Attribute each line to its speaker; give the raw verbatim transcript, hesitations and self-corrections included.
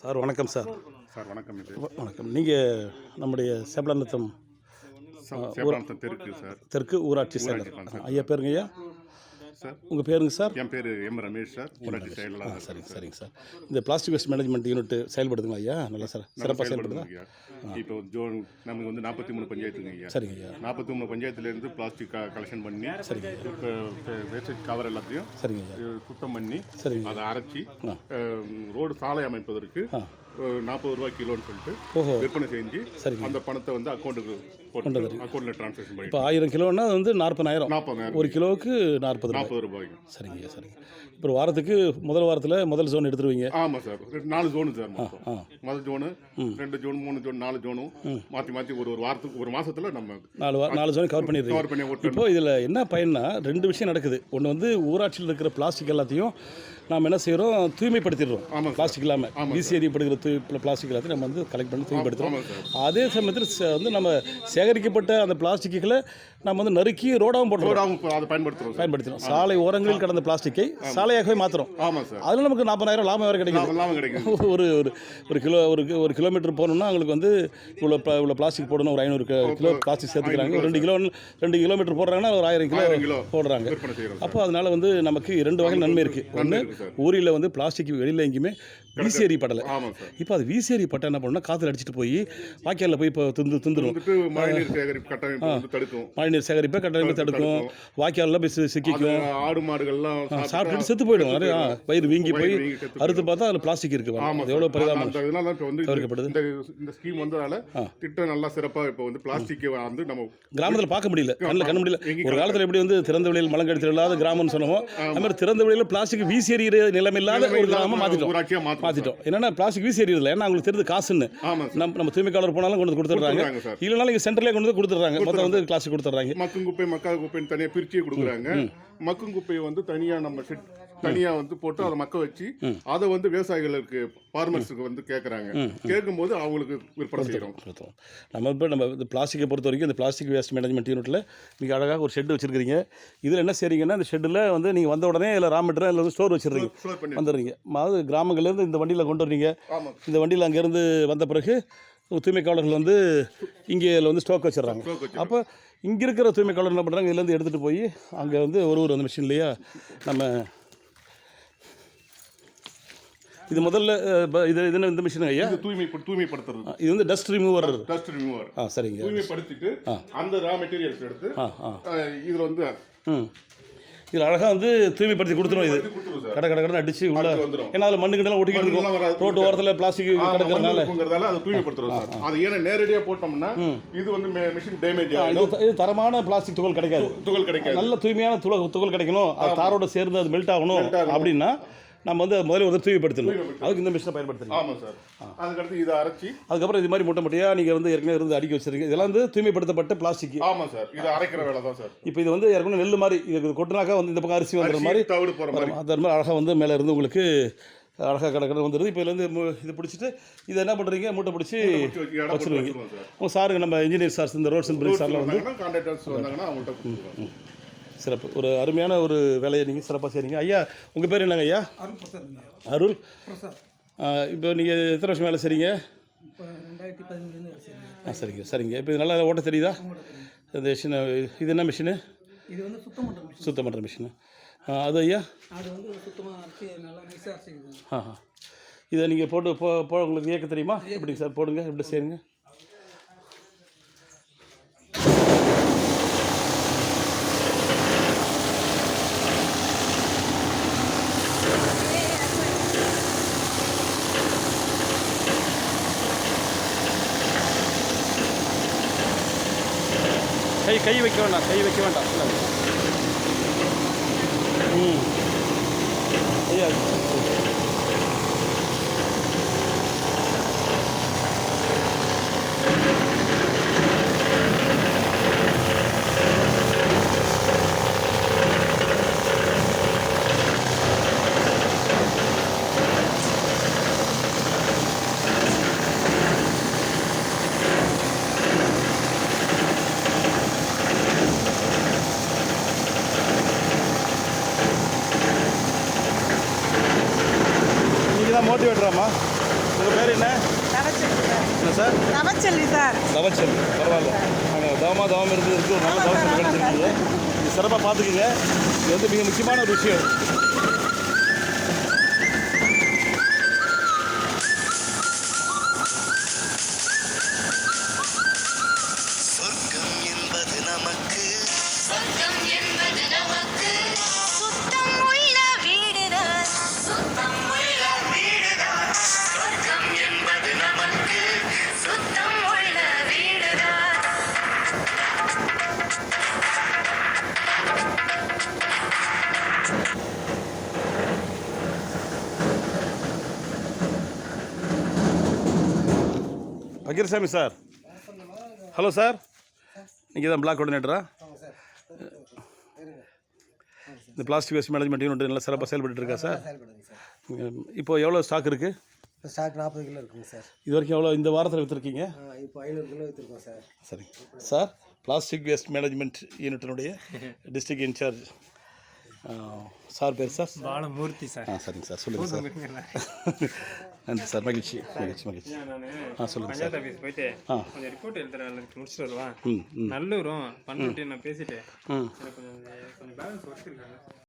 Speaker 1: Sir வணக்கம் sir.
Speaker 2: Sir வணக்கம். இது
Speaker 1: வணக்கம். நீங்கள் நம்முடைய சேப்பலாநத்தம்
Speaker 2: சேப்பலாநத்தம் தெற்கு சார்
Speaker 1: தெற்கு ஊராட்சி செயலர் ஐயா பேருங்க ஐயா
Speaker 2: சார்?
Speaker 1: உங்கள் பேருங்க சார்?
Speaker 2: என் பேர் எம் ரமேஷ் சார், ஊராட்சி செயலர்.
Speaker 1: சரிங்க சரிங்க சார். இந்த பிளாஸ்டிக் வேஸ்ட் மேனேஜ்மெண்ட் யூனிட் செயல்படுதுங்களா ஐயா? நல்லா சார், சிறப்பாக செயல்படுதுங்க.
Speaker 2: இப்போ ஜோன் நமக்கு வந்து நாற்பத்தி மூணு பஞ்சாயத்துங்க ஐயா.
Speaker 1: சரிங்க ஐயா.
Speaker 2: நாற்பத்தி மூணு பஞ்சாயத்துலேருந்து பிளாஸ்டிக் கலெக்ஷன் பண்ணி
Speaker 1: சரிங்க
Speaker 2: இப்போ வேஸ்டேஜ் கவர் எல்லாத்தையும்
Speaker 1: சரிங்க ஐயா
Speaker 2: சுத்தம் பண்ணி
Speaker 1: சரிங்க
Speaker 2: அதை அரைச்சி ரோடு சாலை அமைப்பதற்கு நாற்பது ரூபாய் கிலோன்னு சொல்லிட்டு
Speaker 1: ஓஹோ
Speaker 2: விற்பனை செஞ்சு
Speaker 1: சரிங்க
Speaker 2: அந்த பணத்தை வந்து அக்கௌண்ட்டுக்கு போட்டு அக்கௌண்ட்டில் ட்ரான்ஸ்ஃபர் பண்ணி
Speaker 1: இப்போ ஆயிரம் கிலோன்னா அது வந்து நாற்பதாயிரம்
Speaker 2: நாற்பதாயிரம்
Speaker 1: ஒரு கிலோவுக்கு நாற்பது
Speaker 2: நாற்பது ரூபாய்க்கு.
Speaker 1: சரிங்க ஐயா சரிங்க. இப்போ வாரத்துக்கு முதல் வாரத்தில் முதல் ஜோன் எடுத்துருவீங்க?
Speaker 2: ஆமாம் சார். நாலு ஜோனு சார். முதல் ஜோனு, ரெண்டு ஜோன், மூணு ஜோன், நாலு ஜோனும் மாற்றி மாற்றி ஒரு ஒரு வாரத்துக்கு ஒரு மாதத்தில் நம்ம
Speaker 1: நாலு வா நாலு ஜோன் கவர் பண்ணிடுறோம்.
Speaker 2: கவர் பண்ணி ஓட்டு.
Speaker 1: இப்போ இதில் என்ன பயன்னா ரெண்டு விஷயம் நடக்குது. ஒன்று வந்து ஊராட்சியில் இருக்கிற பிளாஸ்டிக் எல்லாத்தையும் நாம் என்ன செய்கிறோம், தூய்மைப்படுத்திடுறோம்.
Speaker 2: ஆமாம்,
Speaker 1: பிளாஸ்டிக் இல்லாமல் வீசியடிப்படுகிற தூய் பிளாஸ்டிக் எல்லாத்தையும் நம்ம வந்து கலெக்ட் பண்ணி தூய்மைப்படுத்துகிறோம். அதே சமயத்தில் வந்து நம்ம சேகரிக்கப்பட்ட அந்த பிளாஸ்டிக்குகளை நம்ம வந்து நறுக்கி ரோடாகவும் போட்டுறோம்,
Speaker 2: அதை பயன்படுத்துகிறோம்
Speaker 1: பயன்படுத்துகிறோம் சாலை ஓரங்களில் கடந்த பிளாஸ்டிக்கை சாலையாகவே மாற்றுறோம்.
Speaker 2: ஆமாம் சார்.
Speaker 1: அதில் நமக்கு நாற்பதாயிரம் லாபம் வேறு கிடைக்கும்.
Speaker 2: லாபம் கிடைக்கும்.
Speaker 1: ஒரு ஒரு ஒரு கிலோ ஒரு ஒரு கிலோமீட்டர் போகணுன்னா அவங்களுக்கு வந்து இவ்வளோ இவ்வளோ பிளாஸ்டிக் போடணும், ஒரு ஐநூறு கிலோ பிளாஸ்டிக் சேர்த்துக்கிறாங்க. ஒரு ரெண்டு கிலோ ரெண்டு கிலோமீட்டர் போடுறாங்கன்னா ஒரு ஆயிரம் கிலோ போடுறாங்க. அப்போ அதனால வந்து நமக்கு இரண்டு வகை நன்மை இருக்குது. ஒன்று, ஊரில் வந்து பிளாஸ்டிக் வெளியில் எங்கேயுமே வீசேரி படலை. இப்போ அது வீசேரி பட்டை என்ன பண்ணணும்னா காற்றுல அடிச்சுட்டு போய் வாய்க்காலில் போய் இப்போ துந்து துந்துடும்.
Speaker 2: மழைநீர் சேகரிப்பு கட்டமைப்பு தடுக்கும்.
Speaker 1: மழைநீர் சேகரிப்பை கட்டமைப்பு தடுக்கும். வாய்க்காலில் போய் சிக்கிக்கும்.
Speaker 2: ஆடு மாடுகள்லாம்
Speaker 1: சாப்பிட்டுட்டு செத்து போயிடும். நிறைய வயிறு வீங்கி போய் அறுத்து பார்த்தா அதில் பிளாஸ்டிக் இருக்குது. எவ்வளோ பரிதாபம் தவிர்க்கப்படுது.
Speaker 2: இந்த ஸ்கீம் வந்ததால திட்டம் நல்லா சிறப்பாக இப்போ வந்து பிளாஸ்டிக் வந்து நம்ம
Speaker 1: கிராமத்தில் பார்க்க முடியல, கண்ணில் கண்ண முடியல. ஒரு காலத்தில் எப்படி வந்து திறந்த வெளியில் மலங்கடித்தல் இல்லாத கிராமம்னு சொன்னோம், அது மாதிரி திறந்த வெளியில் பிளாஸ்டிக் வீசி எறிகிற நிலைமையில்லாத ஒரு கிராமம் மாற்றிட்டோம் மாற்றிட்டோம் என்னன்னா பிளாஸ்டிக் வீசி எறியதில்லை. ஏன்னா அவங்களுக்கு தெரிஞ்சு காசுன்னு நம்ம நம்ம தூய்மைக்காளர் போனாலும் கொண்டு வந்து கொடுத்துட்றாங்க. இல்லைனாலும் இங்கே சென்டர்லேயே கொண்டு வந்து கொடுத்துட்றாங்க. மொத்தம் வந்து பிளாஸ்டிக் கொடுத்துட்றாங்க.
Speaker 2: மக்கும் குப்பை மக்கா குப்பைன்னு தனியாக பிரிச்சு கொடுக்குறாங்க. மக்கும் குப்பையை வந்து தனியாக நம்ம தனியாக வந்து போட்டு அதை மக்க வச்சு அதை வந்து விவசாயிகளுக்கு ஃபார்மர்ஸுக்கு வந்து கேட்குறாங்க. கேட்கும்போது அவங்களுக்கு விற்பனை செய்கிறோம்.
Speaker 1: நம்ம இப்போ நம்ம இந்த பிளாஸ்டிக்கை பொறுத்த வரைக்கும் இந்த பிளாஸ்டிக் வேஸ்ட் மேனேஜ்மெண்ட் யூனிட்டில் நீங்கள் அழகாக ஒரு ஷெட் வச்சுருக்கீங்க. இதில் என்ன செய்றீங்கன்னா இந்த ஷெட்டில் வந்து நீங்கள் வந்த உடனே இல்லை ரா மெட்டீரியல் இல்லை வந்து ஸ்டோர் வச்சுருக்கீங்க வந்துடுறீங்க. அதாவது கிராமங்கள்லேருந்து இந்த வண்டியில் கொண்டு வரீங்க. இந்த வண்டியில் அங்கேருந்து வந்த பிறகு தூய்மைக்காளர்கள் வந்து இங்கே வந்து ஸ்டாக் வச்சிடறாங்க. அப்போ இங்கே இருக்கிற தூய்மைக்காளர் என்ன பண்ணுறாங்க, இதுலேருந்து எடுத்துகிட்டு போய் அங்கே வந்து ஒரு ஒரு அந்த மிஷின்லையா நம்ம இது முதல்ல இது இது இந்த மிஷின் ஐயா
Speaker 2: தூய்மை தூய்மைப்படுத்துறது.
Speaker 1: இது வந்து டஸ்ட் ரிமூவர்.
Speaker 2: Dust remover.
Speaker 1: ஆ சரிங்க.
Speaker 2: தூய்மைப்படுத்திட்டு அந்த ரா மெட்டீரியல்ஸ் எடுத்து இதில் வந்து
Speaker 1: ம் இதில் அழகாக வந்து தூய்மைப்படுத்தி கொடுத்துரும். இது கடை கடை கடை அடிச்சு உள்ள, ஏன்னா அதில் மண்ணு கிட்டலாம் ஒட்டிக்கிட்டு இருக்கும். ரோட்டு ஓரத்தில் பிளாஸ்டிக் கிடக்கிறதுனால
Speaker 2: அதை தூய்மைப்படுத்துறோம் சார். அது ஏன்னா நேரடியாக போட்டோம்னா இது வந்து மிஷின் டேமேஜ் ஆகும்.
Speaker 1: இது தரமான பிளாஸ்டிக் துகள் கிடைக்காது.
Speaker 2: துகள் கிடைக்காது.
Speaker 1: நல்ல தூய்மையான துகள் துகள் கிடைக்கணும். அது தாரோட சேர்ந்து அது மெல்ட் ஆகணும் அப்படின்னா நம்ம வந்து முதல்ல ஒரு தூய்மைப்படுத்தணும். அதுக்கு இந்த மிஷினை பயன்படுத்தணும்.
Speaker 2: ஆமாம் சார். அதுக்கடுத்து இதை அரைச்சி
Speaker 1: அதுக்கப்புறம் இது மாதிரி முட்டை முட்டையாக நீங்கள் வந்து ஏற்கனவே இருந்து அடிக்க வச்சிருக்கீங்க. இதெல்லாம் வந்து தூய்மைப்படுத்தப்பட்ட பிளாஸ்டிக்.
Speaker 2: ஆமாம் சார். இது அரைக்கிற வேலை தான் சார்.
Speaker 1: இப்போ இது வந்து ஏற்கனவே நெல் மாதிரி இது கொட்டினாக்கா வந்து இந்த பக்கம் அரிசி வந்துடுற மாதிரி
Speaker 2: தவிடு போகிற மாதிரி
Speaker 1: அது மாதிரி அழகாக வந்து மேலே இருந்து உங்களுக்கு அழகாக கடற்கரை வந்துடுது. இப்போ இதுலேருந்து இது பிடிச்சிட்டு இதை என்ன பண்ணுறீங்க, மூட்டை பிடிச்சி வச்சுருவீங்க. உங்கள் சாருங்க நம்ம இன்ஜினியர் சார்ஸ் இந்த ரோட்ஸ் அண்ட் பிரிட்ஜ் சார்லாம் வந்து
Speaker 2: கான்ட்ராக்டர்ஸ் வந்தாங்கன்னா அவங்கள்ட்ட
Speaker 1: சிறப்பு ஒரு அருமையான ஒரு வேலையை நீங்கள் சிறப்பாக செய்கிறீங்க. ஐயா உங்கள் பேர் என்னங்க ஐயா? அருள். இப்போ நீங்கள் எத்தனை வருஷம் வேலை செய்கிறீங்க? ஆ சரிங்க சரிங்க. இப்போ இது நல்லா ஓட்ட தெரியுதா? இந்த மிஷின் இது என்ன மிஷினு?
Speaker 3: இது வந்து சுத்தம் பண்ணுற மிஷின்.
Speaker 1: சுத்தம் பண்ணுற மிஷினு. அது ஐயா
Speaker 3: அது வந்து சுத்தமாக அரைச்சி நல்லா நைஸாக அரைச்சிக்குது.
Speaker 1: ஆ ஆ இதை நீங்கள் போட்டு போ போ உங்களுக்கு இயக்க தெரியுமா? எப்படிங்க சார் போடுங்க, எப்படி செய்யுங்க. கை கை வைக்க வேண்டாம், கை வைக்க வேண்டாம். ம் ஐயா என்ன
Speaker 4: தவச்செல்வி சார்
Speaker 1: என்ன சார்
Speaker 4: தவச்செல்வி சார்
Speaker 1: தவச்சல் பரவாயில்ல நாங்கள் தவமாக தவம் இருந்து இருக்கு ஒரு நல்ல தவச்சல் கிடைச்சிருக்கீங்க இது சிறப்பாக பார்த்துக்குங்க இது வந்து மிக முக்கியமான ஒரு விஷயம்
Speaker 5: சொர்க்கம் என்பது நமக்கு
Speaker 6: சொர்க்கம் என்பது நமக்கு சுத்தம் உள்ள வீடுதான் சுத்தம் உள்ள வீடுதான் சொர்க்கம் என்பது நமக்கு சுத்தம் உள்ள வீடுதான்
Speaker 1: பக்கீர்சாமி சார் ஹலோ சார் நீங்கள் தான் பிளாக் கோஆர்டினேட்டரா இந்த பிளாஸ்டிக் வேஸ்ட் மேனேஜ்மெண்ட் யூனிட் நல்லா சிறப்பாக செயல்பட்டு இருக்கா சார் இப்போ எவ்வளோ ஸ்டாக் இருக்குது
Speaker 7: இப்போ ஸ்டாக் நாற்பது கிலோ இருக்குங்க சார்.
Speaker 1: இது வரைக்கும் எவ்வளோ இந்த வாரத்தில் விற்றுருக்கீங்க
Speaker 7: ஆ, இப்போ ஐநூறு கிலோ விற்றுருக்கோம் சார்.
Speaker 1: சரி சார் பிளாஸ்டிக் வேஸ்ட் மேனேஜ்மெண்ட் யூனிட்டினுடைய டிஸ்ட்ரிக்ட் இன்சார்ஜ் சார் பேர் சார்
Speaker 8: பாலமூர்த்தி சார்.
Speaker 1: ஆ சரிங்க சார் சொல்லுங்கள் சார் நன்றி சார் மகிழ்ச்சி மகிழ்ச்சி மகிழ்ச்சி ஆ சொல்லுங்கள் சார்
Speaker 8: பஞ்சாயத்து ஆஃபீஸ் போயிட்டு
Speaker 1: ஆ
Speaker 8: கொஞ்சம் ரிப்போர்ட் எழுதுற வேலைக்கு முடிச்சுட்டு வருவான்.
Speaker 1: ம் ம்
Speaker 8: நல்லூரும் பண்ணிட்டு நான் பேசிட்டு
Speaker 1: ம்
Speaker 8: எனக்கு கொஞ்சம் கொஞ்சம் பேலன்ஸ் ஒர்க் இருக்காங்க.